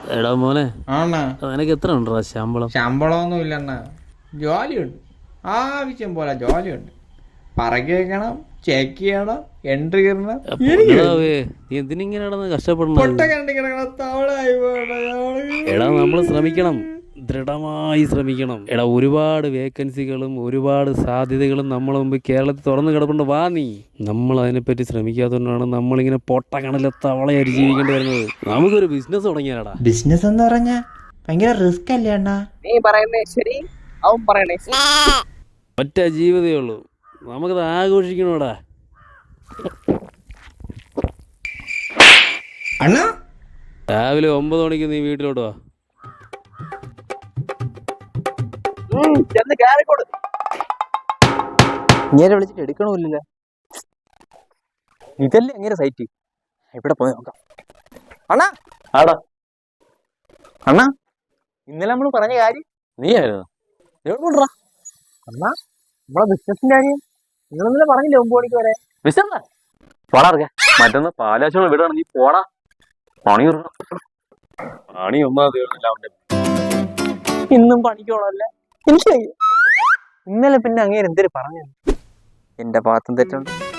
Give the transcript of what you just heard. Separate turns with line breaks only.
എടാ മോനെ,
ആണ
നിനക്ക് എത്ര ഉണ്ടോ ശമ്പളം?
ശമ്പളമൊന്നും ഇല്ലണ്ണ, ജോലിയുണ്ട്, ആവശ്യം പോലെ ജോലിയുണ്ട്. പറക്കി വെക്കണം, ചെക്ക് ചെയ്യണം, എൻട്രി ഇടണം.
നീ എന്തിനിങ്ങനെ നടന്ന് കഷ്ടപ്പെടണം? എടാ നമ്മൾ ശ്രമിക്കണം, ദൃഢമായി ശ്രമിക്കണം. എടാ ഒരുപാട് വേക്കൻസികളും ഒരുപാട് സാധ്യതകളും നമ്മളെ മുമ്പ് കേരളത്തിൽ തുറന്നു കിടപ്പുണ്ട്. വാ നീ, നമ്മൾ അതിനെപ്പറ്റി ശ്രമിക്കാത്തതുകൊണ്ടാണ് നമ്മളിങ്ങനെ പൊട്ടക്കണലെ തവളയായിട്ട് ജീവിക്കേണ്ടി വരുന്നത്. നമുക്കൊരു ബിസിനസ് തുടങ്ങിയാടാ.
ബിസിനസ് എന്ന് പറഞ്ഞാ ഭയങ്കര റിസ്ക് അല്ലേ അണ്ണാ?
നീ പറയുന്നേ ശരി, അവൻ പറയണേ
ഒറ്റ ജീവിതമേ ഉള്ളൂ, നമുക്കത് ആഘോഷിക്കണോടാ.
അണ്ണാ
രാവിലെ 9 മണിക്ക് നീ വീട്ടിലോട്ട് വാ.
ചെന്ന് കയറിക്കോട്. ഇങ്ങനെ വിളിച്ചിട്ട് എടുക്കണമില്ലല്ലോ. ഇതല്ലേ എങ്ങനെ സൈറ്റ്? ഇവിടെ പോയി നോക്കാം. അണ്ണാ ആടാ, അണ്ണാ ഇന്നലെ നമ്മൾ പറഞ്ഞ കാര്യം
നീ ആയിരുന്നു
എവിടെ അണ്ണാ? നമ്മളെ ബിസിനസിന്റെ കാര്യം നിങ്ങൾ ഇന്നലെ പറഞ്ഞില്ലേ 9 മണിക്ക് വരെ.
ബിസിനസ് പോടാ, മറ്റൊന്ന് പാലാച്ചോളം വിടാണ്. നീ പോടാ, പണി പണി ഒന്നാമത്
ഇന്നും പണിക്കോളല്ലേ? എനിക്ക് ഇന്നലെ പിന്നെ അങ്ങേര് എന്തൊരു പറഞ്ഞു? എന്റെ ഭാഗത്തും തെറ്റുണ്ട്.